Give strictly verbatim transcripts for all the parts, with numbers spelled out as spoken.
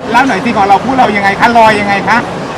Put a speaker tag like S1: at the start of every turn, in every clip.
S1: เล่าหน่อยสิของเราพูดเรายังไงคะลอยยังไงคะ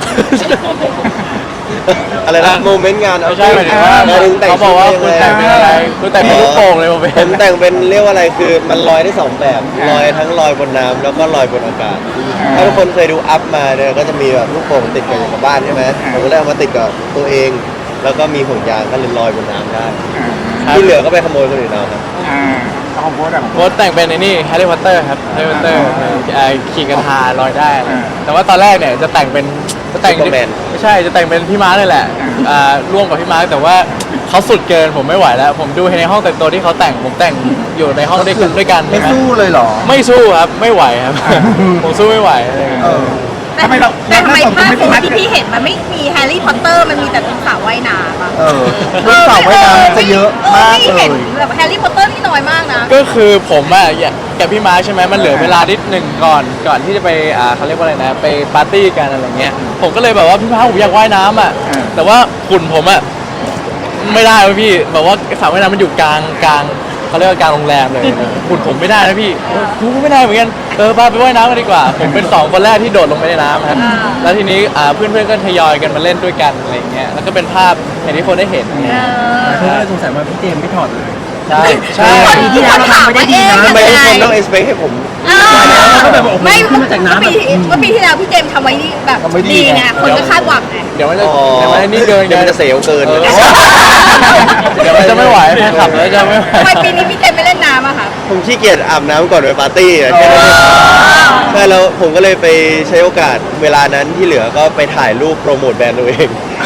S2: อะไรนะโมเมนต์งานเอา
S3: ไม่ใช่หมายถึงว่าเขาบอกว่าคุณแต่งเป็นอะไรคุณแต่งเป็นลูกโป่งเลยผม
S2: ผมแต่งเป็นเรียกว่าอะไรคือมันลอยได้สองแบบลอยทั้งลอยบนน้ำแล้วก็ลอยบนอากาศถ้าทุกคนเคยดูอัพมาเนี่ยก็จะมีแบบลูกโป่งติดกับอยู่กับบ้านใช่ไหมผมก็เลยเอามาติดกับตัวเองแล้วก็มีห่วงยางก็เลยลอยบนน้ำได้ที่เหลือก็ไปขโมยคนอื่นเอาครับ
S1: อ่าของโบ๊ทอะ
S3: โค้ดแต่งเป็นไอ้นี่แฮร์รี่พอตเตอร์ครับแฮร์รี่พอตเตอร์ขี่กระทาลอยได้ แต่ว่าตอนแรกเนี่ยจะแต่งเป็นจะแต่งไม่ใช่จะแต่งเป็นพี่ม้าเลยแหละอ่าร่วมกับพี่ม้าแต่ว่าเขาสุดเกินผมไม่ไหวแล้วผมดูในห้องแต่งตัวที่เขาแต่งผมแต่งอยู่ในห้องด้วยกันด้วยกัน
S4: ไม่สู้เลยเหรอ
S3: ไม่สู้ครับไม่ไหวครับผมสู้ไม่ไหว
S1: ทำไมเรา
S5: แต่ทำไม
S1: เรา
S5: ภาพ
S1: ไม่
S5: โพ
S1: ได้
S5: สที่พี่เห็นมันไม่มีแฮร์รี่พอตเตอร์มันมีแต่ตรงสระว่ายน้ำอะ
S4: เออเรื่องสาวว่ายน้ำจะเยอะมาก
S5: พี่
S4: เล
S5: เห็น
S4: ย
S5: แบบแฮร์รี่พอตเตอร์นี่น้อยมากนะ
S3: ก็คือผมอะกับพี่ม้าใช่ไหมมันเหลือเวลานิดหนึ่งก่อนก่อนที่จะไปอ่าเขาเรียกว่าอะไรนะไปปาร์ตี้กันอะไรเงี้ยผมก็เลยแบบว่าพี่ม้าผมอยากว่ายน้ำอ่ะแต่ว่าหุ่นผมอ่ะไม่ได้เลยพี่แบบว่าสระว่ายน้ำมันอยู่กลางกลางเขาเรียกว่ากลางโรงแรมเลยหุ่นผมไม่ได้นะพี่กูก็ไม่ได้เหมือนกันเออพาไปว่ายน้ำกันดีกว่าผมเป็นสองคนแรกที่โดดลงไปในน้ำครับแล้วทีนี้อ่าเพื่อนๆก็ทยอยกันมาเล่นด้วยกันอะไรเงี้ยแล้วก็เป็นภาพอย่างที่คนได้เห็น
S4: เธอสงสัยว่าพี่เจมไม่ถอดเลย
S3: ใช่ใช่
S4: ปีที่แล้วเราทำไม่ได้ดีนะ
S2: ทำไมทุกคนต้องเอ็กซ์เพคให้ผม
S4: ก็แบบโอ้โห
S5: ไม่
S4: ขึ้นมาจากน้ำ
S5: เมื่อปีเมื่อปีที่แล้วพี่เจมส์ทำไว้นี่แบบ
S4: ทำไว้ดี
S5: ดีไงคนก็คาดหวังไง
S3: เดี๋ยวมันจะเดี๋ยวมันจะนี่เกิน
S2: เดี๋ยวมันจะเสียวเกิน
S3: เออเดี๋ยวมันจะไม่ไหวแฟนคลับแล้วจะไม่ไหว
S5: ทำไมปีนี้พี่เจมส์ไม่เล่นน้ำอะคะ
S2: ผมขี้เกียจอาบน้ำก่อนไปปาร์ตี้อะแค่นั้นเองใช่แล้วผมก็เลยไปใช้โอกาสเวลานั้นที่เหลือก็ไปถ่ายรูปโปรโมทแบรนด์ตัวเอง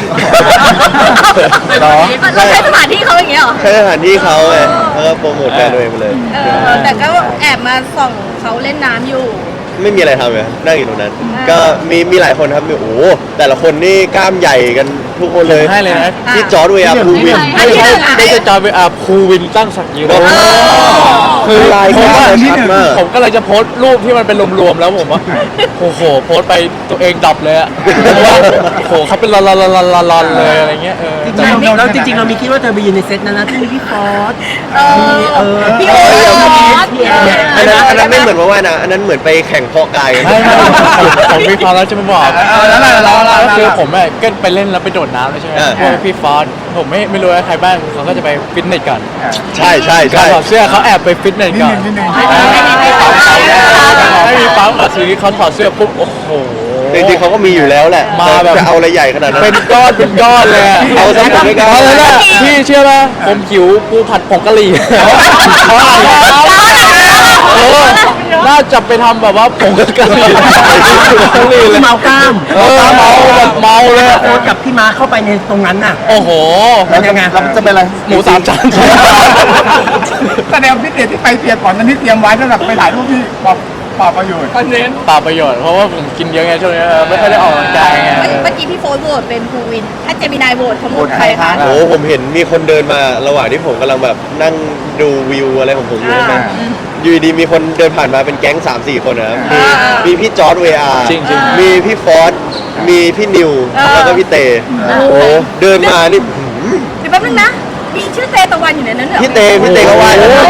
S5: เราใช้สถานที่เขาอย่างเงี้ยเหรอ
S2: ใช้สถานที่เขาไงแล้วก็โปรโมทแบรนด์ตัวเองไปเลย
S5: เออแต่ก็แอบมาส่องเขาเล่นน้ำอยู่
S2: ไม่มีอะไรทำเลยนั่งอยู่ตรงนั้น
S5: อ่า
S2: ก็มีมีหลายคนครับมีโอ้โหแต่ละคนนี่กล้ามใหญ่กันทุกคนเลย
S3: ให้เลยนะ
S2: พี่จอร์ดเวียร์ภูวิน
S5: อัน
S3: ไม่
S5: ที่
S3: ใช่
S5: หนึ่งอะ
S3: ไม่ใช่จอเป็นอ่าภูวินตั้งศักดิ์ยืน
S2: โอ้โห คือลายกล้ามชัดมาก
S3: ผมก็เลยจะโพสต์รูปที่มันเป็นรวมๆแล้วผมว่าโอ้โหโพสต์ไปตัวเองดับเลยอะเพราะว่าโอ้โหเขาเป็นลอนๆๆๆๆเลยอะไรเงี้ยเออ
S4: จริง
S3: แต่
S4: ๆแล้วจริงๆเรามีคิดว่าเธอไปยืนในเซตนั้นนะที่มีพี่ฟอส
S5: เออ
S4: เออ
S5: พี่โอ๊ต
S2: อันนั้นอันนั้นไม่เหมือนว่าว่ายนะอันนั้นเหมือนไปแข่งเพาะกายกัน
S3: ไม่ไม่ผมผมมีความแล้วจะมาบอก
S1: เออแล้วแล้วแล้วแล้ว
S3: ก็คือผมอะก็ไปเล่นแล้วไปโดดน้ำเลยใช่ไหมพวกพี่ฟอสผมไม่ไม่รู้ว่าใครบ้างเขาก็จะไปฟิตเนสก่อน
S2: ใช่ใช่
S3: กา
S2: ใช่
S3: รถอดเสื้อเขาแอบไปฟิตเนส
S1: นิด
S3: ก่อ
S1: นึ
S3: น
S1: งนิดนึง
S3: ไม่มีปั๊มอ่ะทีนี้เขาถอดเสื้อปุ๊บโอ้โห
S2: จริงๆเขาก็มีอยู่แล้วแหละ
S3: มาแบบ
S2: จะเอาอะไรใหญ่ขนาดนั้น
S3: เป็นก้อนเป็นก้อนเลยอะ
S2: เอาซะผมไม่กล้า
S3: เอาเลยนะพี่เชื่อป่ะผมหิวปูผัดผงกะหรี่เออน่าจะไปทำแบบว่าผงกะหรี่กะหรี่เลย
S4: เมากล้าม
S3: เออเมาแบบเมาเลยอะ
S4: โฟสกับพี่ม้าเข้าไปในตรงนั้นน่ะ
S3: โอ้โห
S4: แล้วยังไงเราจะเป็นอะไร
S3: หมูสามชั้น
S1: แสดงพิเศษที่ไปเตรียมก่อนนั้นที่เตรียมไว้สำหรับไปถ่ายรูปที่ปอบปอบประโยชน์
S3: เปล่าประโยชน์เพราะว่าผมกินเยอะไงช่วงนี้ไม่ค่อยได้ออกกำลังกายไง
S5: เมื่อกี้พี่โฟนโหวตเป็นภูวิน ถ้าเจมินายโหวตเขาโหวตใครคะ
S2: โอ้โหผมเห็นมีคนเดินมาระหว่างที่ผมกำลังแบบนั่งดูวิวอะไรของผมอยู่ใช่ไหมอยู่ดีๆมีคนเดินผ่านมาเป็นแก๊ง สามสี่ คนนะครับมีมีพี่จอร์ดเวียร์
S3: จริงๆ
S2: มีพี่ฟอสมีพี่นิวแล้วก็พี่เตโอ้โหเดินมานี่
S5: เดี๋ยวแป๊บนึงนะ มีชื่อเตตะวันอยู่ในนั้นเหรอ
S2: พี่เตพี่เตก็ว่า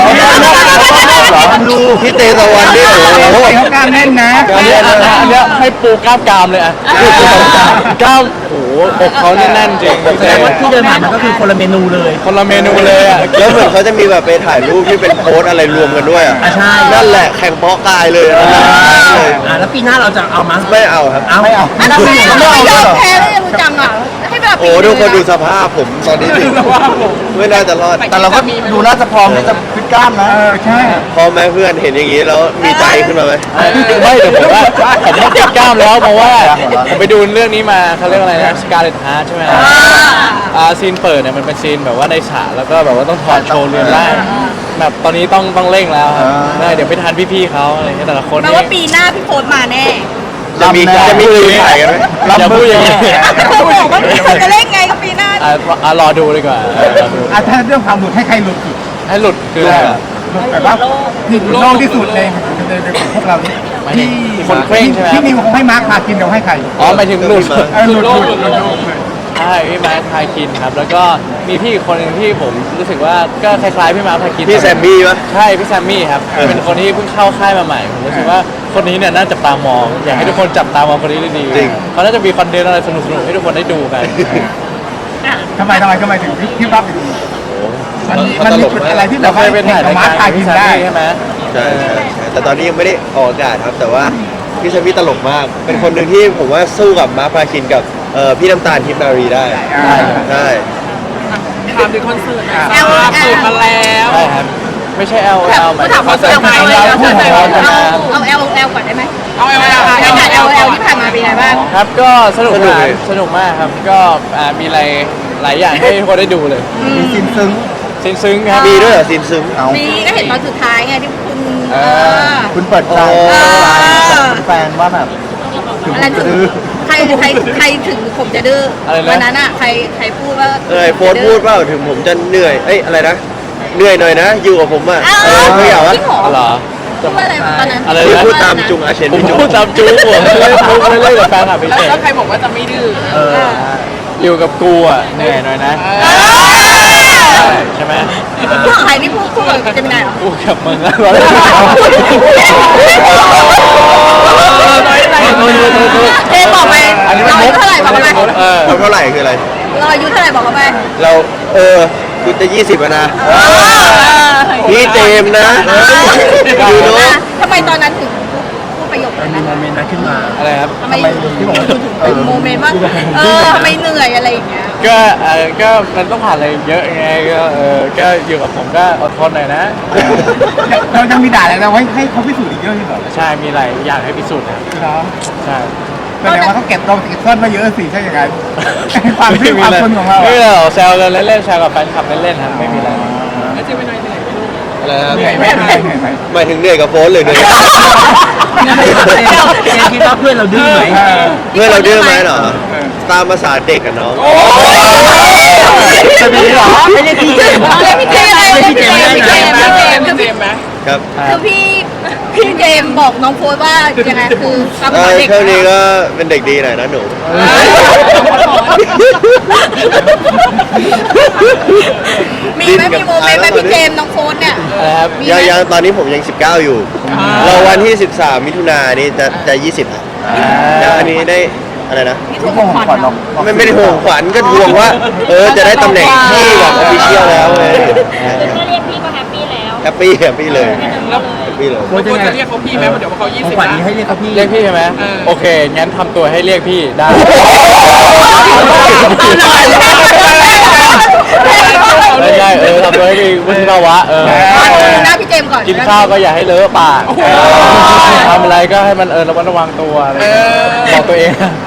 S2: พี่เตตะวันนี่โอ้โห
S1: เขากล้ามแน่นนะ
S3: อันเนี้ยอันเนี้ยให้ปูกล้ามกรามเลยอ่ะกล้ามโอ้โหอกเขาแน่นๆจริง
S4: แสดงว่าที่เดินผ่านมันก็คือคนละเมนูเลย
S3: คนละเมนูเลยอ่ะ
S2: แล้วเหมือนเขาจะมีแบบไปถ่ายรูปที่เป็นโพสอะไรรวมกันด้วยอ่ะ
S4: อ่ะใช่
S2: นั่นแหละแข่งเพาะกายเลยนั่นแหละเลย
S4: อ่าแล้วปีหน้าเราจะเอามา
S2: ไม่เอาครับ
S4: เอาไม่เอา
S5: อันนั้นไม่เอาไม่ยอมแพ้เลยรู้จังอ่ะ ให้เวลา
S2: โอ้ทุกคนดูสภาพผมตอนนี้สิไม่น่าจะรอด
S4: แต่เราก็ดูน่าจะพร้อมที่จะฟิตกล้ามนะ
S1: เออใช่
S2: พอไหมเพื่อนเห็นอย่างนี้แล้วมีใจขึ้นมาไหม
S3: ไม่เดี๋ยวผมว่าผมต้องติดกล้ามแล้วเพราะว่าผมไปดูเรื่องนี้มาเขาเรียกอะไรนะสการ์เล็ตฮาร์ใช่ไหมอ่าซีนเปิดเนี่ยมันเป็นซีนแบบว่าในฉากแล้วก็แบบว่าต้องถอดโชว์เรือนร่างแบบตอนนี้ต้องต้องเร่งแล้วครับได้เดี๋ยวไปทานพี่ๆเขาอะไรเงี้ยแต่ละคน
S5: แปล
S3: นี่
S5: ว่าปีหน้าพี่โฟนมาแน่
S2: จะมีจะมีคืนถ่ายกันไหม
S3: อย่าพูดอย่างนี้
S5: เขาบอกว่าพี่โฟนจะเล่นไงกับปีหน้า
S3: อ่ะอ่ะรอดูดีกว่าเออรอดู
S1: อ่ะถ้าเรื่องความหลุดให้ใครหลุดสุด
S3: ให้หลุดคืออะไรอ่ะ
S1: หลุดแบบว่าที่โลกที่สุดในในในของพวกเรานี่
S3: หมายถึงคนเคร่งใช่ไหม
S1: ที่นิวคงให้มาร์คพากินเราให้ใคร
S3: อ๋อหมายถึงหลุด
S1: เออหลุดหลุดหลุดหลุด
S3: ใช่พี่มาร์คพาคินครับแล้วก็มีพี่อีกคนหนึ่งที่ผมรู้สึกว่าก็คล้ายๆพี่มาร์คพาคิน
S2: พี่แซมมี่ปะ
S3: ใช่พี่แซมมี่ครับ
S2: เออ
S3: เป็นคนที่เพิ่งเข้าค่ายมาใหม่ผมรู้สึกว่าคนนี้เนี่ยน่าจับตามอง อยากให้ทุกคนจับตามองคนนี้ดีๆ
S2: จริง
S3: เขาน่าจะมีคอนเทนต์อะไรสนุกๆให้ทุกคนได้ดูกัน
S1: ทำไมทำไมทำไมถึงพี่รับอย่างนี้
S2: โอ้
S1: มันมีมันมีจุดอะไรที่แบ
S3: เรา
S1: บ
S3: เค
S1: ว่าย
S3: ไปถ่าย
S1: ขอ
S3: ราง ย
S1: มาร์ค
S3: การ
S1: พากิ
S3: พี่
S1: น
S3: แซม
S1: ได้
S3: มี่ใช่ไหม
S2: ใช่ใช่ใช่แต่ตอนนี้ยังไม่ได้ออกอากาศครับ แต่ว่าพี่แซมมี่ตลกมาก เป็นคนหนึ่งที่ผมว่าสู้กับมาร์คพาคินกับเอ่อพี่น้ำตาลทิพย์นารีได้
S1: อ่า
S2: ใช่
S4: ถามถึงคอนเสิร์ตหน่อย
S5: แอลแอล
S4: สูตรมาแล้ว
S3: ใช่ครับไม่ใช่ L L หมาย
S5: ถา
S3: ถึ
S5: ม
S3: ง
S5: ว่า
S3: คอนเสิร์ต
S5: เอา
S3: ของ
S5: เอา
S3: เรา
S5: เอา
S3: คู่ของเรากันนะ
S5: เอาเอลเอลก่อนได้ไหม
S4: เอาเอลเอล
S5: เอาเอลเอลเอลที่ผ่านมาเป็นไงบ้าง
S3: ครับก็สนุก
S2: สนุก
S3: มาก
S2: เลย
S3: สนุกมากครับก็อ่ามีอะไรหลายอย่างให้ทุกคนได้ดูเลย
S4: มีซินซึ้ง
S3: ซึ้งๆครับ
S2: มีด้วยเหรอซินซึม
S4: เอา
S5: มีก็เห็นตอนสุดท้ายไงที่คุณ
S3: เอ
S5: เอ
S3: อ
S5: อ
S4: คุณเปิดใจ
S2: โอ้
S4: แฟนว่าแบบ
S5: อะไรถึงใครใครใครถึงผมจะดื้ออะไร
S3: นะ
S5: วันนั้นอ่ะใครใครพูดว่า
S2: เออโฟนพูดเปล่าถึงผมจะเหนื่อย เอ้ยอะไรนะ เหนื่อยหน่อยนะ อยู่กับผมอ่ะ
S5: อ้าว
S2: เออไม่อยากว่า
S5: จริงเหรอ
S3: เหรอ
S5: พูดว่าอะไรตอนนั้น
S3: อะไร
S2: พี่
S3: นะ
S2: พูดตามจุงอาเชน
S3: ผม
S2: พี่จุง
S3: พูดตามจู๊ผมไม่ได้พูดไม่ได้กับแฟนคลับเฉย
S4: แล้วใครบอกว่าจะไม่ดื้อ
S3: ๆเอออยู่กับกูอ่ะเหนื่อยหน่อยนะ
S5: เออ
S3: ใช่ไหม
S5: พูดกับใครนี่พูดพูดกับเจมินายเหรอ
S3: กูกับมึงอะ
S5: เทบอกไปเราอายุเท่าไหร่บอกเขาไป
S3: เออ
S2: เราเท่าไหร่คืออะไร
S5: เราอายุเท่าไหร่บอกเขาไป
S2: เราเออกูจะยี่สิบแล้วนะ พี่เจมส์นะ
S5: ดู
S2: ดู
S5: นะ
S2: เนาะ
S5: ทำไมตอนนั้นถึงพูดประโยค
S4: มัน
S5: นั้น
S4: มีโมเมนต์นั้นขึ้นมา
S3: อะไรครับ
S5: ทำไมที่บอกว่าถึงเป็นโมเมนต์ว่าเออทำไมเหนื่อยอะไรอย่างเงี้ย
S3: ก็เออก็มันต้องผ่านอะไรเยอะไงก็เออก็อยู่กับผมก็อดทนหน่อยนะ
S1: เรายังมีด่าอะไรเราไว้ให้เขาพิสูจน์อีกเยอะที่สุด
S3: ใช่มีอะไรอยากให้พิสูจน์นะ
S1: เนาะ
S3: ใช่
S1: แสดงว่าเขาเก็บเราเก็บซ่อนมาเยอะสิใช่ยังไงความที่ความคนของเรา
S3: ไม่
S1: อะ
S3: มีอะไรหรอกแซวกันเล่นๆแซวกับแฟนคลับเล่นๆครับไม่มีอะไร
S4: แล้วเจมินายเหนื่อยไหมลูก
S2: อะไรครับ
S1: เหนื่อยไหมเหนื่อยไหม
S2: หมายถึงเหนื่อยกับโฟนหรือเหนื่อยกับ
S4: เจมคิดว่าเพื่อนเราดื้อไหม
S2: เพื่อนเราดื้อไหมเหรอ ตามภาษาเด็กกันเนาะ
S4: จะมีเหรอไม่ได้พี่เจมส์
S5: เอาเลยพี่เจมส์เลย
S4: พี่เจมส์
S5: พี่เจมส์พี่เจมส์คือพี่
S2: ครับ
S5: คือพี่พี่เจมส์บอกน้องโฟร์ว่ายังไงคือตาม
S2: เอ
S5: ภาษา
S2: อ
S5: เด็ก
S2: ช่วงนี้ก็เป็นเด็กดีหน่อยนะหนู
S5: มีไหมมีโมเมนต์ไหมพี่เจมส์น้องโฟร์เนี่ย
S3: อะไรครับ
S5: มี
S2: ยัง
S5: ไหม
S2: ยังตอนนี้ผมยังสิบเก้าอยู่ เราวันที่สิบสามมิถุนายนนี่จะจะยี่สิบแล้วอันนี้ได้อะไรนะ
S5: พี่ทวงขวัญเนาะ
S2: ไม่ไม่ได้ห่วงขวัญก็ทวงว่า เออจะได้ตำแหน่งที่แบบออฟฟิเชียลแล้วเลย
S6: คือถ้าเรียกพี่ก็แฮปปี้แล้ว
S2: แฮปปี้แฮปปี้เลยแฮปปี้เลย
S4: ควรจะเรียกเขาพี่ไหมเดี๋ยวเขายี่สิบขวัญนี้ให้เรียกเขาพี่
S3: เรียกพี่ใช่ไหมโอเคงั้นทำตัวให้เรียกพี่ได้ไม่ใช่เออทำตัวให้ดีวุฒิภาวะเออ
S5: หน้าพี่เจมส์ก่อน
S3: กินข้าวก็อย่าให้เลอะปากทำอะไรก็ให้มันเออระมัดระวังตัวอะไรบอกตัวเอง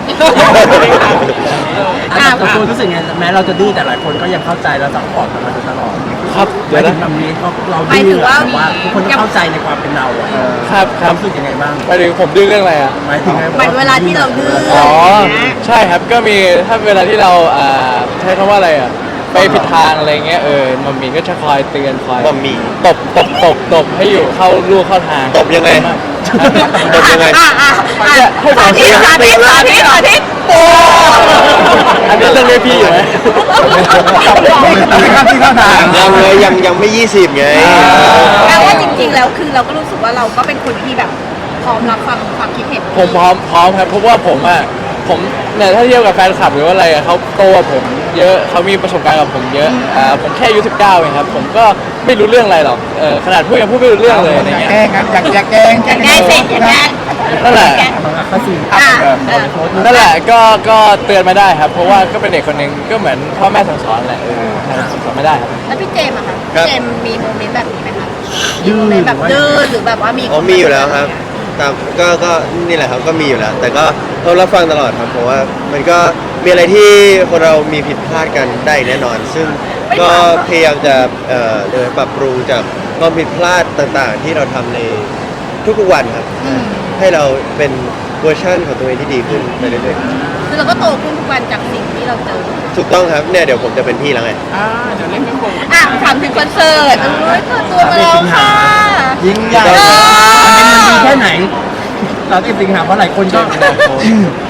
S4: อ่ะตัวรู้สึกไงแม้เราจะดื้อแต่หลายคนก็ยังเข้าใจและซัพพอร์ตกันมาโดยตลอด
S3: ครับ
S4: หมา
S3: เดี๋ย
S4: ยว ถึ
S3: นะ
S4: งแบบนี้เรา
S5: หมาย
S4: ดื้
S5: ถึ
S4: อง
S5: ว่า
S4: แต่ว่าทุกคนก็เข้าใจในความเป็นเราอะ
S3: ครับค
S4: ค
S3: รั
S4: วา
S3: บ
S4: มรู้สึกยังไงบ้าง
S3: หมายถึงผมดื้อเรื่องอะไรอ่ะ
S4: หมายถึงไง
S5: หมายเวลาที่เราดื้อ
S3: อ๋อ
S5: อย่างเงี้ย
S3: ใช่ครับก็มีถ้าเวลาที่เราอ่าใช้คำว่าอะไรอ่ะไปผิดทางอะไรเงี้ยเออมัมมี่ก็จะคอยเตือนคอย
S2: มัมมี่
S3: ตบตบตบตบให้อยู่เข้าลูกเข้าทาง
S2: ตบยังไง ตบยังไง
S5: อ่ะอ่ะอ่ะสาธิตสาธิตสาธิตสาธิตโอ้
S3: อันนี้ต้องเรียกพี่อยู่ไหม
S1: ไม่เข้าที่เข้าทาง
S2: ยังเลยยังยังไม่ยี่สิบไง
S5: แปลว่าจริงๆแล้วคือเราก็รู้สึกว่าเราก็เป็นคนที่แบบพร้อมรับฟังความคิดเห็น
S3: ผมพร้อมพร้อมครับเพราะว่าผมอ่ะผมเนี่ยถ้าเทียบกับแฟนคลับหรือว่าอะไรอะเขาโตกว่าผมเยอะเขามีประสบการณ์กับผมเยอะอ่าผมแค่อายุสิบเก้าเองครับผมก็ไม่รู้เรื่องอะไรหรอกเออขนาดพูดยังพูดไม่รู้เรื่องเลยอะไร
S1: อยาก
S3: เงี้ย
S1: แกล้งครับอยากอยากแกล้ง
S5: อยากได้สิอยากได้
S3: นั่นแหละ
S4: ข้อสี่
S5: อ่ะเออ
S3: นั่นแหละก็ก็เตือนมาได้ครับ เพราะว่าก็เป็นเด็กคนหนึ่งก็เหมือนพ่อแม่สั่งสอนแหละเออสั่งสอนไม่ได้ครับ
S5: แล้วพี่เจมส์อะคะ
S2: ครับ
S5: เจมส์มีโมเมนต์แบบนี้ไหมคะ
S4: ดื้อ
S5: โมเมนต์แบบดื้อหรือแบบว่ามี
S2: อ๋อมีอยู่แล้วครับตามก็ก็นี่แหละครับก็มีอยู่แล้ว แต่ก็เรารับฟังตลอดครับเพราะว่ามันก็มีอะไรที่คนเรามีผิดพลาดกันได้แน่นอน ซึ่งก็พยายามจะเอ่อเดินปรับปรุงจากความผิดพลาดต่างๆ ที่เราทำในทุกๆวันครับ
S5: อืม
S2: ให้เราเป็นเวอร์ชันของตัวเองที่ดีขึ้นไปเรื่อย
S5: คือเราก็โตขึ้นทุกวันจากสิ่งที่เราเจอ
S2: ๆถูกต้องครับเนี่ยเดี๋ยวผมจะเป็นพี่แล้วไง
S4: อ่าเดี๋ยวเล่นไม่ครบ
S5: อ่ะถามถึงคอนเสิร์ตเอ้ยเปิดตัวมาแล้วค่ะ
S4: ยิ่งใหญ่
S2: เออ
S4: มันดีแค่ไหนเราที่สิงหาเพราะหลายคนก็
S5: ท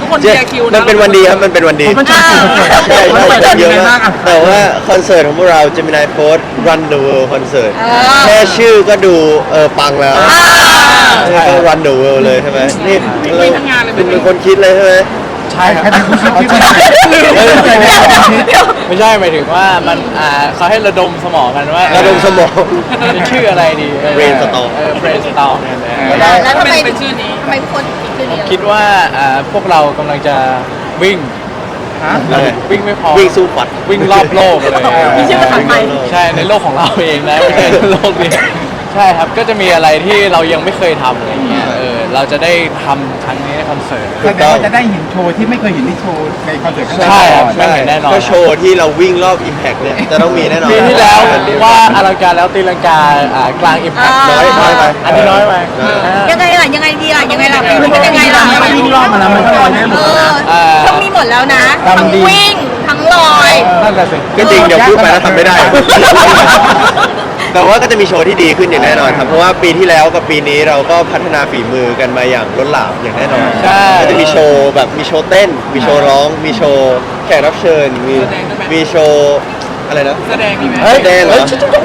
S7: คนเชียร์คิวนะ
S2: มันเป็นวันดีครับมันเป็นวันดี
S4: มันจะถึง
S2: ใช่ใช่
S4: มันจะ
S2: เย
S4: เย
S2: อะ
S4: อะ
S2: มาม
S4: าก ก
S2: แต่ว่าคอนเสิร์ตของพวกเรา Gemini Post Run the World Concert
S5: อ่า
S2: แค่ชื่อก็ดูเออปังแล้วก็ Run the World เลยใช่ไหมนี่เราคุณเป็นคนคิดเลยใช่ไหม
S3: ใช่ครับ
S1: ใครเป็นผู้คิดที่มันใครเป็นคนคิด
S3: ไม่ใช่หมายถึงว่ามันอ่าเขาให้ระดมสมองกันว่า
S2: ระดมสมอง
S3: จะชื่ออะไรดี
S2: Brainstorm
S3: เออ brainstorm เนี่ยนะ
S5: แล้วแล้วทำไม
S7: เป็นชื่อนี้
S5: ทำไมทุกคนคิดชื่อนี้
S3: คิดว่าอ่าพวกเรากำลังจะวิ่ง
S2: อะไร
S3: วิ่งไม่พอ
S2: วิ่งสู้ฝัด
S3: วิ่งรอบโลกเลย
S5: มีชื่อภาษาไทย
S3: ใช่ในโลกของเราเองนะไม่ใช่ในโลกนี้ใช่ครับก็จะมีอะไรที่เรายังไม่เคยทำอะไรเงี้ยเออเราจะได้ทำครั้งนี้ในคอนเสิร์ต
S1: แสดงว่าจะได้เห็นโชว์ที่ไม่เคยเห็นในโชว์ในคอนเสิร์ตครั้งแรก
S3: ใช่ครับ
S2: ใช่
S3: แน่นอน
S2: ก็โชว์ที่เราวิ่งรอบ Impact เนี่ยจะต้องมีแน่นอน
S3: ปีที่แล้วว่าอลังการแล้วตีลังกาอ่ากลางอิมแพค
S2: น้อยน้อยไป
S3: อันนี้น้อยไป
S5: ยังไงล่ะยังไงดีล่ะยังไงล่ะมันเป็นยังไงล่ะ
S4: มันวิ่งรอบมาแล้วมันก็ลอยได้หม
S5: เอ
S4: ดแล้ว
S5: อ
S4: นะ
S5: ต้องมีหมดแล้วนะทั้งวิ่งทั้งลอย
S3: นั่นแหละสิ
S2: ก็จริงเดี๋ยวพูดไปแล้วทำไม่ได้ แต่ว่าก็จะมีโชว์ที่ดีขึ้นอย่างแน่นอนครับ เพราะว่าปีที่แล้วกับปีนี้เราก็พัฒนาฝีมือกันมาอย่างล้นหลามอย่างแน่นอน
S3: ใช่
S2: ก็จะมีโชว์แบบมีโชว์เต้น มีโชว์ร้อง มีโชว์แขกรับเชิญ มีมีโชว์อะไรนะ
S7: แสดงมีไหม
S2: เฮ้ยแดงเหรอ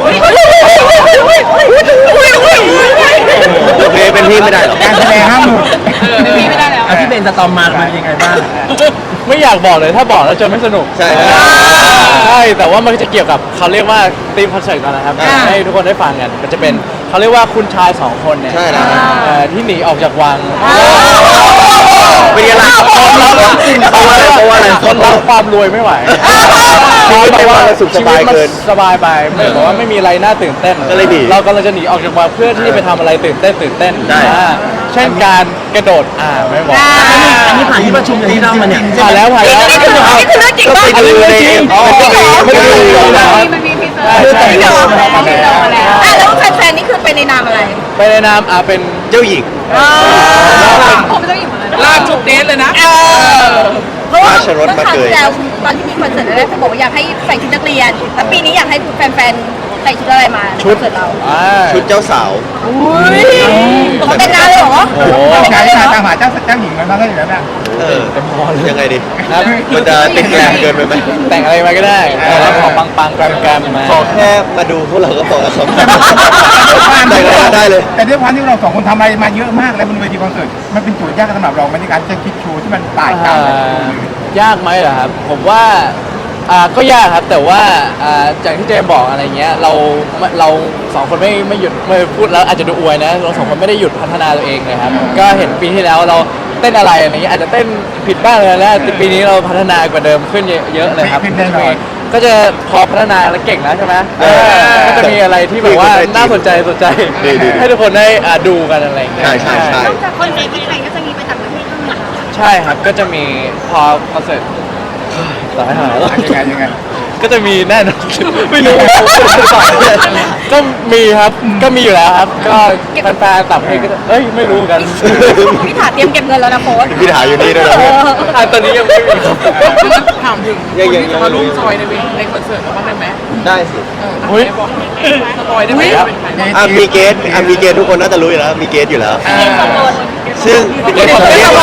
S2: โอเคเป็นพี่ไม่ได้หรอก
S1: การแสดงห้ามหลุด
S7: มีไม่ได้แล้ว
S4: อ่ะพี่เบนสตอมมามันเป็นยังไงบ้าง
S3: ไม่อยากบอกเลยถ้าบอกแล้วจะไม่สนุก
S2: ใช่
S3: ใช่แต่ว่ามันจะเกี่ยวกับเขาเรียกว่าธีมคอนเสิร์ตกันนะครับ
S2: อ่า
S3: ให้ทุกคนได้ฟังกันมันจะเป็นเขาเรียกว่าคุณชายสองคนเนี่ย
S2: ใช่แล้ว
S3: เอ่อที่หนีออกจากวัง
S2: เป็นยังไงเพราะว่าอะไรเพราะว่าอะไร
S3: คนรับความรวยไม่ไหว
S2: ชีวิตไม่ว่าเราสุขสบายเกิน
S3: ชีวิตมันสบายไปไม่บอกว่าไม่มีอะไรน่าตื่นเต้น
S2: ก็เลยหนี
S3: เรากำลังจะหนีออกจากวังเพื่อที่จะไปทำอะไรตื่นเต้นตื่นเต้น
S2: ได้
S3: อ่าเช่นการกระโดดอ่าไม่บอก
S4: อันนี้ผ่านที่ประชุมที่เล่ามาเนี่ย
S3: ผ่านแล้วผ่านแล้ว
S5: นี่คือนี่คือเรื่องจริง
S2: ก็
S5: ป่ะ
S2: ไปดูในอ๋อ
S3: ไม่ได้ดูนะ
S5: มันมีพิเศษ
S3: ใช่ใช่
S5: จริงเหรออ่ะแล้วแฟนๆนี่คือไปในนามอะไร
S3: ไปในนามอ่าเป็น
S2: เจ้าหญิง
S5: ผมไม่ต้องอยู่หมดเลย
S7: ลากชุดเดทเลยนะ
S5: เพราะว่า
S2: ราชรสมาเกย
S5: แล้วตอนที่มีคอนเสิร์ตแรกเขาบอกว่าอยากให้ใส่ชุดนักเรียนแล้วปีนี้อยากให้แฟนๆใส่ชุดอะไรมาคอนเสิร์ตเรา
S3: อ่า
S2: ชุดเจ้าสาว
S5: อุ้ยผมแต่งงานเลยเหรอ
S3: โอ้โห
S5: แต่ง
S1: ใช้
S5: งานเลยเหร
S1: ตา
S5: อ
S1: มหาเจ้าเจ้าหญิงมันมาได้อยู่แล้วนะ
S2: เออยังไงดี
S3: ครับ
S2: มันจะติดแกลมเกินไปไหม
S3: แต่งอะไรมาก็ได้แต่เราขอปังปังๆแกรมแกรมๆมา
S2: ขอแค่มาดูพวกเราก็พอแล้วครับแต่งอะไรมาได้เลย
S1: แต่ด้วยความที่เราสองคนทำอะไรมาเยอะมากแล้วบนเวทีคอนเสิร์ตมันเป็นโจทย์ยากสำหรับเราในการจะคิดโชว์ที่มันแตกต่างกัน
S3: อ่ายากไหมเหรอครับ ผมว่าอ่าก็ยากครับแต่ว่าอ่าจากที่เจมบอกอะไรเงี้ยเราเราสองคนไม่ไม่หยุดไม่พูดแล้วอาจจะดูอวยนะเราสองคนไม่ได้หยุดพัฒนาตัวเองเลยครับก็เห็นปีที่แล้วเราเต้นอะไรอะไรเงี้ยอาจจะเต้นผิดบ้างเลยนะแต่ปีนี้เราพัฒนากว่าเดิมขึ้นเยอะเลยครับ
S1: ขึ้นแน่นอน
S3: ก็จะพอพัฒนาแล้วเก่งแล้วใช่ไหมเออก็จะมีอะไรที่แบบว่าน่าสนใจสนใจ
S2: ดีดีดี
S3: ให้ทุกคนได้อ่าดูกันอะไรเงี้ย
S2: ใช่ใช่ใช่
S5: นอกจากคอนเสิร์ตที่ไทยก็จะมีไปต่างประเทศด้วยเหรอ
S3: ใช่ครับก็จะมีพอคอนเสิร์ตต่อให้หายแล้ว
S1: ยังไงยังไง
S3: ก็จะมีแน่นอน ไม่รู้ก็มีครับก็มีอยู่แล้วครับ ก็แฟนๆต่างประเทศก็จะเอ้ยไม่รู้เหมือนกัน
S5: พี่ถาเตรียมเก็บเงินแล้วนะโค้ช
S2: พี่ถาอยู่นี่ด้วยนะ
S3: อ่ะตอนนี้ยังไม่มีครับ
S7: ถามถึง
S2: ยัง
S7: คน
S2: ยัง
S7: ที่จะมาร่วมจอยในเวทีในคอนเสิร์ตเราบ้างได้ไหม
S2: ได้สิ
S7: เฮ้ยบอกสปอยได้ไหมว่าเป็นใคร
S2: อ่ะมีเกสอ่ะมีเกสทุกคนน่าจะรู้อยู่แล้วมีเกสอยู่แล้ว ซึ่งเกสเกส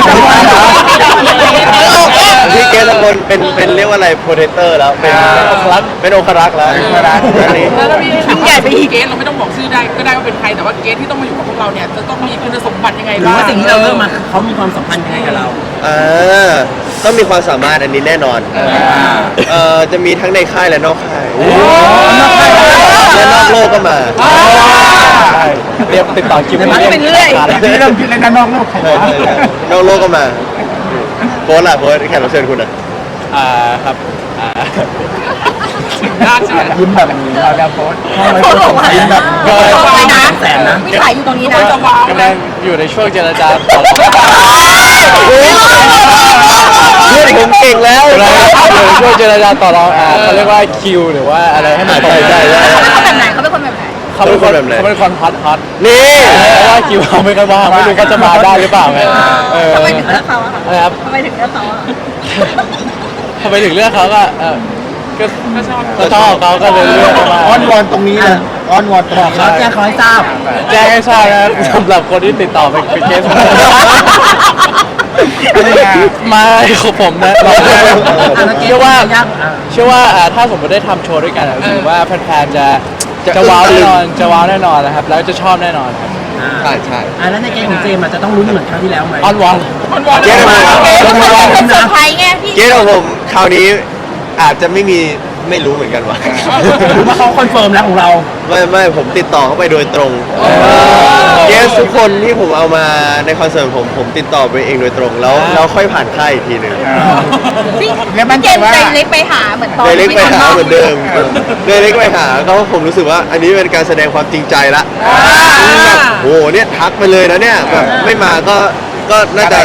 S2: พี่เกสทุกคนเป็นเป็นเรียกว่าอะไรโปรเทเตอร์แล้วเป็นเป็นองครักษ์แล้วอันนี้
S7: แล้วถ้าพี่ถามว่าเกสเราไม่ต้องบอกชื่อได้ก็ได้ว่าเป็นใครแต่ว่าเกสที่ต้องมาอยู่กับพวกเราเนี่ยจะต้องมีคุณสมบัติยังไง
S4: หรือ
S7: บ้าง
S4: ว่าสิ่งที่เราเริ่มมาเขามีความสัมพันธ์ยังไงกับเรา
S2: อ่าต้องมีความสามารถอันนี้แน่นอนเอ่อจะมีทั้งในค่ายและนอกค่ายและนอกโลกก็มา
S3: ใช่เรียกติดต่อคิว
S5: มันเป็นเรื่อย
S1: ที่เริ่มคิดเลยนะนอกโลกใคร
S2: ใช่
S1: วะ
S2: ใช่ใช่นอกโลกก็มาโพสต์ล่ะโพสต์แขกรับเชิญคุณอ่ะ
S3: อ่าครับอ่า
S7: ยากใช่ไหม
S1: ยิ้มแบบเราแล้วโพส
S5: โค้ชบอกว่า
S1: ยิ้มแบบ
S5: โค้ชบอกเลยนะ
S4: แสนนะ
S5: พี่ถ่ายอยู่ตรงนี้นะ
S7: จะวาง
S3: กำลังอยู่ในช่วงเจรจาต่อรอง
S2: เพื่อนผมเก่งแล้ว
S3: กำลังอยู่ในช่วงเจรจาต่อรองอ่าเขาเรียกว่าคิวหรือว่าอะไรให้มันตรง
S2: ใช่ใช่ใช่
S5: เขาเป็นคนแบบไหนเขาเป็นคนแบบไหน
S3: เขาเป็นคน
S2: แบบไหน
S3: เขาเป็นคนฮอตฮอต
S2: นี่
S3: เพราะว่าคิวเขาไม่ค่อยว่างไม่รู้เขาจะมาได้หรือเปล่าไงเออ
S5: ทำไมถึงเลือกเขาอะ
S3: อะไรครับ
S5: ทำไมถึงเลือกเขาอะ
S3: ทำไมถึงเลือกเขาก็เออก็
S7: ก็ชอบ
S3: ก็ชอบเขาก็เลยเลือกเขามา
S1: อ้อนวอนตรงนี้นะอ้อนวอนตรงนี้
S4: เขาแจ้งเขาให้ทราบ
S3: แจ้งให้ทราบนะสำหรับคนที่ติดต่อเป็นเป็นเคสมาของผมนะเรา
S4: อ่ะแล้วเก
S3: เชื่อว่า
S4: ยากอ่ะ
S3: เชื่อว่าอ่าถ้าสมมติได้ทำโชว์ด้วยกันอ่ะรู้สึกว่าแฟนๆจะจะว้าวแน่นอนจะว้าวแน่นอนนะครับแล้วจะชอบแน่นอนครับ
S4: อ่า
S2: ใช่ใช่
S4: อ่ะแล้วในเกมของเจมส์อ่ะจะต้องลุ้นเหมือนครั้งที่แล้วไหม
S3: ออนวอน
S7: มันวอน
S2: เจ๊มาครับ
S5: เอ๊ะมันเป็นเซอร์ไพรส์ไงพี่
S2: เกสของผมคราวนี้อาจจะไม่มีไม่รู้เหมือนกันว่า
S4: หรือว่าเขาคอนเฟิร์มแล้วของเรา
S2: ไม่ไม่ผมติดต่อเข้าไปโดยตรงเกสทุกคนที่ผมเอามาในคอนเสิร์ตผมผมติดต่อไปเองโดยตรง แล้วแล้วค่อยผ่านค่ายอีกทีหนึ่ง
S5: พี่
S1: แล้วมั่น
S5: เจ
S1: ใจ
S5: มส์
S1: ว่า
S5: ใจเล็กไปหาเหมือนตอน
S2: เดยเล็กไปหา
S5: ที่
S2: เหมือนเดิมเดยเล็กไปหาก็ผมรู้สึกว่าอันนี้เป็นการแสดงความจริงใจละแบบโอ้โหเนี่ยทักไปเลยนะเนี่ยแบบไม่มาก็ก็น่าจะ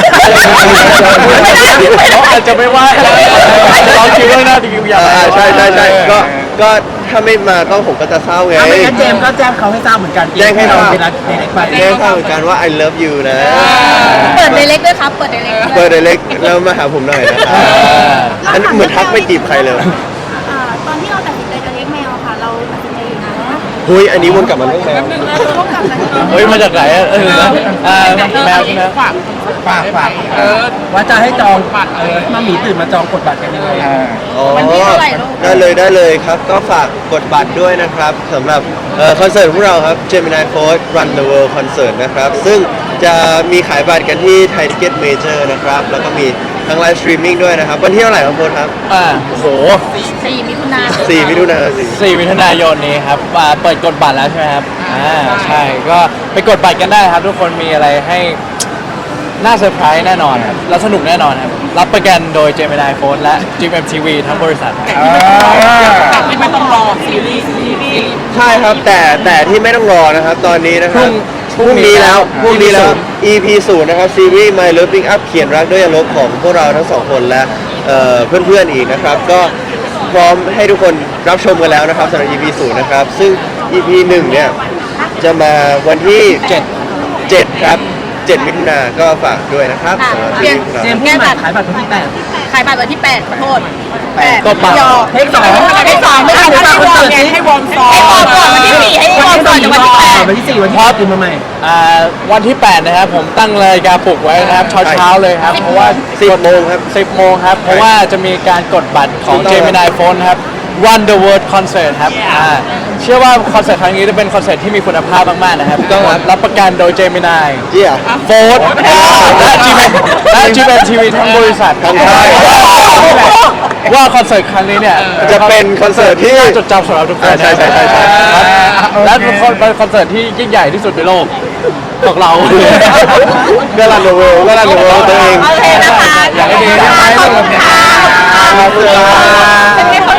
S3: เขาอาจจะไม่ว่าเราคิดว่าน่าจะคิวอย่าง
S2: อ่าใช่ใช่ใช่ก็ก็ถ้าไม่มาก็ผมก็จะเศร้าไง
S4: ถ้าไม่งั้นเจมส์ก็แจ้งเขาให้ทราบเหมือนกัน
S2: แจ้งให้ทราบ
S4: เวลาเด็กๆไป
S2: แจ้งเข้าเหมือนกันว่า I love you นะ
S5: เปิดเดเล็กด้วยครับ เปิดเดเล็ก
S2: เปิดเดเล็กแล้วมาหาผมหน่อยนะครับอันนี้เหมือนทักไม่จีบใครเลย
S5: ตอนที่เราตัดสินใจจะเลี้ยงแมวค่ะ เราตัดสินใจอยู่นานแล้วนะ
S2: เฮ้ยอันนี้วนกลับมาเรื่องแมว
S5: เราต้องกลับมาที่
S3: เฮ้ยมาจากไหนอะเออนะอ่าแมวใช่ไหม
S7: ฝาก
S1: ฝากฝาก
S7: เออ
S4: ว่าจะให้จองบัตรเออมาหมีตื่นมาจองกดบัตรกันยังไง
S1: เออ
S2: อ๋อ
S5: วันที่เท่าไหร่ลูก
S2: ได้เลยได้เลยครับ ก็ฝากกดบัตรด้วยนะครับสำหรับเอ่อคอนเสิร์ตของเราครับ Gemini Force Run the World Concert นะครับ ซึ่งจะมีขายบัตรกันที่ Thai Ticket Major นะครับ แล้วก็มีทั้งไลฟ์สตรีมมิ่งด้วยนะครับ วันที่เท่าไหร่ครับโค้ชครับ
S3: อ่าโอ้โห
S5: สี่มิถุนา
S2: สี่มิถุนายนสี่
S3: สี่มิถุนายนนี้ครับอ่าเปิดกดบัตรแล้วใช่ไหมครับอ่าใช่ก็ไปกดบัตรกันได้ครับ ทุกคนมีอะไรให้น่าเซอร์ไพรส์แน่นอนครับแล้วสนุกแน่นอนครับรับประกันโดย Gemini Phone และ จิม เอ็ม ที วี ทั้งบริษัทครับ
S7: กลับไม่ต้องรอซีรีส์ซีรีส์
S2: ใช่ครับแต่แต่ที่ไม่ต้องรอนะครับ ตอนนี้นะครับ
S3: พรุ่ง
S2: นี้แล้วพ
S3: พรุ่
S2: รุ่ง
S3: งนี้
S2: นี้แล้ว
S3: ศูนย์
S2: อี พี ศูนย์นะครับซีรีส์ My Loving Up เขียนรักด้วยยาลบของพวกเราทั้งสองคนและเอ่อเพื่อนๆอีกนะครับ ก็พร้อมให้ทุกคนรับชมกันแล้วนะครับสำหรับ อี พี ศูนย์นะครับ ซึ่ง อี พี หนึ่งเนี่ยจะมาวันที่
S3: เจ็ด
S2: เจ็ดครับเจ็ดมิถุนายนก็ฝากด้วยนะครับ
S5: ค่ะ
S2: สำหรับ
S5: เปลี่ยน
S2: ซีรีส์ของ
S4: เจ
S2: เรา
S4: มส์พูดใหม่ขายบัตรวันที่แปด
S5: ขายบัตรวันที่แปดขอโทษแปด
S3: ก็ปัง
S5: ยอ
S4: เทคสอง
S5: เทคสองไม่ใช่ให้วอร์มไง
S7: ให้วอร์มซ้อ
S5: ให้วอร์มก่อนวันที่สี่ให้วอร์มก่อนจากวันที่แปด
S4: วันที่สี่วันที่ห้าตื่นมาใหม่
S3: อ่าวันที่แปดนะครับผมตั้งเลยกาปลุกไว้นะครับเช้าเช้าๆเลยครับเพราะว่า
S2: สิบโมงครับ
S3: สิบโมงครับ เพราะว่าจะมีการกดบัตรของ
S2: ถูกต้อง
S3: Gemini Phone ครับ Run the World Concert ครับอ่าเชื่อว่าคอนเสิร์ตครั้งนี้จะเป็นคอนเสิร์ตที่มีคุณภาพมากๆนะครับ
S2: ถูกต้องครับ
S3: รับประกันโดย Gemini
S2: เจีย
S3: Phone และ จี เอ็ม และ จี เอ็ม ที วี ทั้งบริษัทครับ
S2: ทั้งค่าย
S3: ว่าคอนเสิร์ตครั้งนี้เนี่ย
S2: จะเป็นคอนเสิร์ตที่
S3: น่าจดจำสำหรับทุกคน
S2: อ่าใช่ใช่ใช่ใช่
S3: ครับและเป็นคอนเสิร์ตที่ยิ่งใหญ่ที่สุดในโลกของเรา
S2: ก็รันเดอะเวิลด์ก็รันเดอะเวิลด์ตัวเอง
S5: โอเคนะคะ
S3: อยากให้ดี
S5: ขอบคุณค่ะ
S2: ขอบคุณครับ
S5: เป็นไงคะ